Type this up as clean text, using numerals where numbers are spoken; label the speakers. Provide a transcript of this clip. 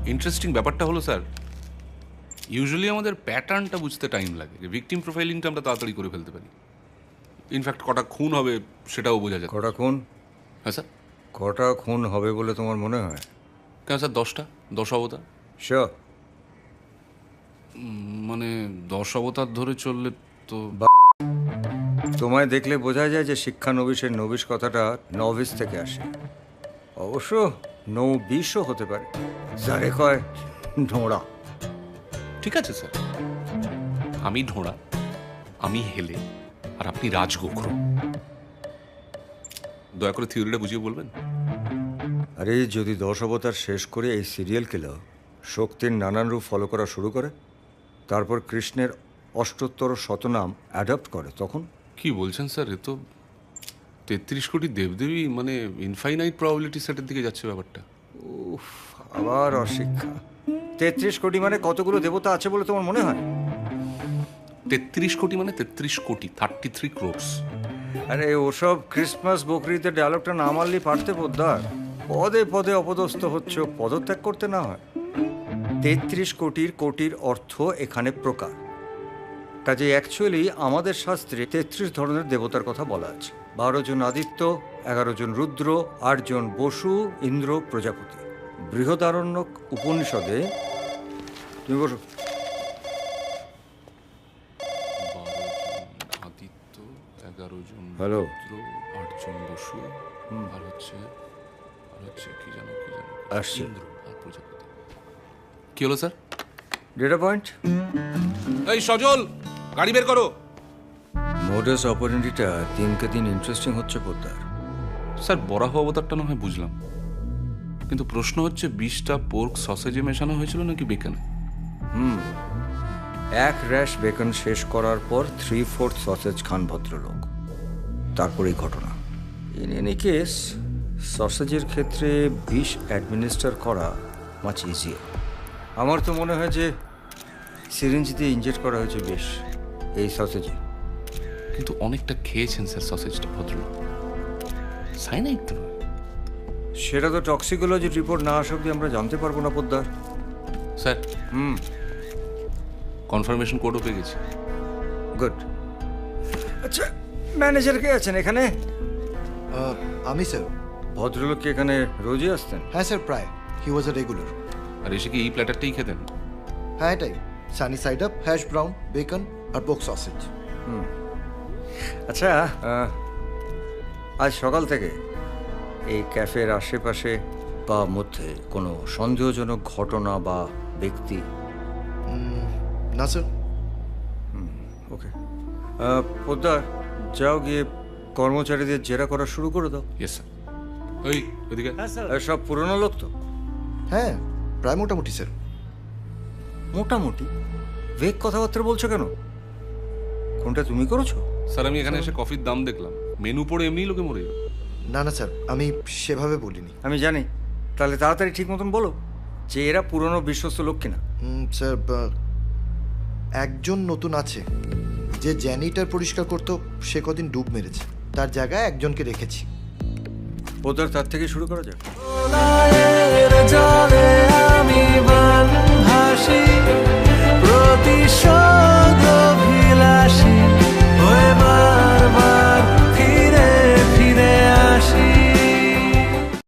Speaker 1: Interesting ব্যাপারটা হলো sir, usually আমাদের প্যাটার্নটা বুঝতে টাইম লাগে, ভিকটিম প্রোফাইলিংটা আমরা তাড়াতাড়ি করে ফেলতে পারি। ইনফ্যাক্ট কটা খুন হবে সেটাও বোঝা যায়।
Speaker 2: কটা খুন?
Speaker 1: হ্যাঁ স্যার।
Speaker 2: কটা খুন হবে বলে তোমার মনে হয়?
Speaker 1: কেন স্যার 10টা? 10 অবতার?
Speaker 2: শিওর?
Speaker 1: মানে 10 অবতার ধরে চললে তো
Speaker 2: তোমায় দেখলে বোঝা যায় যে শিক্ষানবিশের নবিশ কথাটা নভিস থেকে আসে। অবশ্য নৌবিশও হতে পারে, যারে কয় ঢোঁড়া।
Speaker 1: ঠিক আছে স্যার, আমি ঢোঁড়া, আমি হেলে, আর আপনি রাজগোখরো। দয়া করে থিওরিটা বুঝিয়ে বলবেন?
Speaker 2: আরে যদি 10 অবতার শেষ করে এই সিরিয়াল কিলার শক্তির নানান রূপ ফলো করা শুরু করে, তারপর কৃষ্ণের 78 শতনাম অ্যাডপ্ট করে, তখন
Speaker 1: কি বলছেন স্যার? এ তো 33 কোটি দেবদেবী, মানে ইনফাইনাইট প্রবাবিলিটি সেটের দিকে যাচ্ছে ব্যাপারটা।
Speaker 2: উফ, আবার অশিক্ষা। 33 কোটি মানে কতগুলো দেবতা আছে বলে তোমার মনে হয়?
Speaker 1: 33 কোটি মানে 33 কোটি, 33 crores।
Speaker 2: আরে ওসব ক্রিসমাস বকরিতে ডায়লগটা না মারলেই পারতে পোদ্দার। পদে পদে অপদস্থ হচ্ছ, পদত্যাগ করতে না হয়। 33 কোটির কোটির অর্থ এখানে প্রকার। কাজে অ্যাকচুয়ালি আমাদের শাস্ত্রে 33 ধরনের দেবতার কথা বলা আছে। 12 জন আদিত্য, 11 জন রুদ্র, 8 জন বসু, ইন্দ্র, প্রজাপতি। বৃহদারণ্যক উপনিষদে, তুমি বসো।
Speaker 1: 12 জন আদিত্য, 11 জন
Speaker 2: হ্যালো।
Speaker 1: রুদ্র, 8 জন বসু, আর হচ্ছে কি জানো
Speaker 2: আসছে।
Speaker 1: ইন্দ্র আর প্রজাপতি। কি হলো স্যার?
Speaker 2: Data point.
Speaker 1: এই সজল, গাড়ি বের করো।
Speaker 2: মোডাস অপারেন্ডিটা দিনকে দিন ইন্টারেস্টিং হচ্ছে পোদ্দার।
Speaker 1: স্যার বরাহ অবতারটা না হয় বুঝলাম, কিন্তু প্রশ্ন হচ্ছে 20টা পোর্ক সসেজে মেশানো হয়েছিল নাকি বেকনে?
Speaker 2: এক র্যাশ বেকন শেষ করার পর 3/4 সসেজ খান ভদ্রলোক, তারপরেই ঘটনা। ইন এনি কেস, সসেজের ক্ষেত্রে বিষ অ্যাডমিনিস্টার করা মাচ ইজিয়ার। আমার তো মনে হয় যে সিরিঞ্জ দিয়ে ইনজেক্ট করা হয়েছে বিষ এই সসেজে।
Speaker 1: কিন্তু অনেকটা খেয়েছেন স্যার সসেজটা ভদ্রলোক, সাইনাইড তো নয়।
Speaker 2: সেটা তো টক্সিকোলজির রিপোর্ট না আসা অব্দি আমরা জানতে পারবো না পোদ্দার।
Speaker 1: স্যার কনফার্মেশন কোডও পেয়ে গেছি।
Speaker 2: গুড। আচ্ছা, ম্যানেজার কে আছেন এখানে?
Speaker 3: আমি স্যার।
Speaker 2: ভদ্রলোক কি এখানে রোজই আসতেন?
Speaker 3: হ্যাঁ স্যার, প্রায়। হি ওয়াজ আ রেগুলার।
Speaker 1: আর এসে কি এই প্ল্যাটারটাই খেতেন?
Speaker 3: হ্যাঁ এটাই, sunny side up, hash brown, bacon আর পোক সসেজ।
Speaker 2: আচ্ছা, আজ সকাল থেকে এই ক্যাফের আশেপাশে বা মধ্যে কোনো সন্দেহজনক ঘটনা বা ব্যক্তি?
Speaker 3: না স্যার।
Speaker 2: ওকে পোদ্দার, যাও গিয়ে কর্মচারীদের জেরা করা শুরু করে দাও।
Speaker 1: Yes sir. ওই ওইদিকে।
Speaker 2: সব পুরনো লোক তো?
Speaker 3: হ্যাঁ, প্রায় মোটামুটি স্যার।
Speaker 2: মোটামুটি? ভেগ কথাবার্তা বলছো কেন? কোনটা তুমি করেছো?
Speaker 1: স্যার আমি এখানে এসে কফির দাম দেখলাম, মেনু পড়ে এমনিই লোকে মরে যাবে।
Speaker 3: না না স্যার, আমি সেভাবে বলিনি।
Speaker 2: আমি জানি। তাহলে তাড়াতাড়ি ঠিক মতন বলো যে এরা পুরনো বিশ্বস্ত লোক কিনা।
Speaker 3: স্যার, একজন নতুন আছে যে জ্যানিটার পরিষ্কার করতো, সে কদিন ডুব মেরেছে, তার জায়গায় একজনকে রেখেছি।
Speaker 2: ওদের তার থেকে শুরু করা যাক।
Speaker 4: জলে আমি ভাসি প্রতিশোধ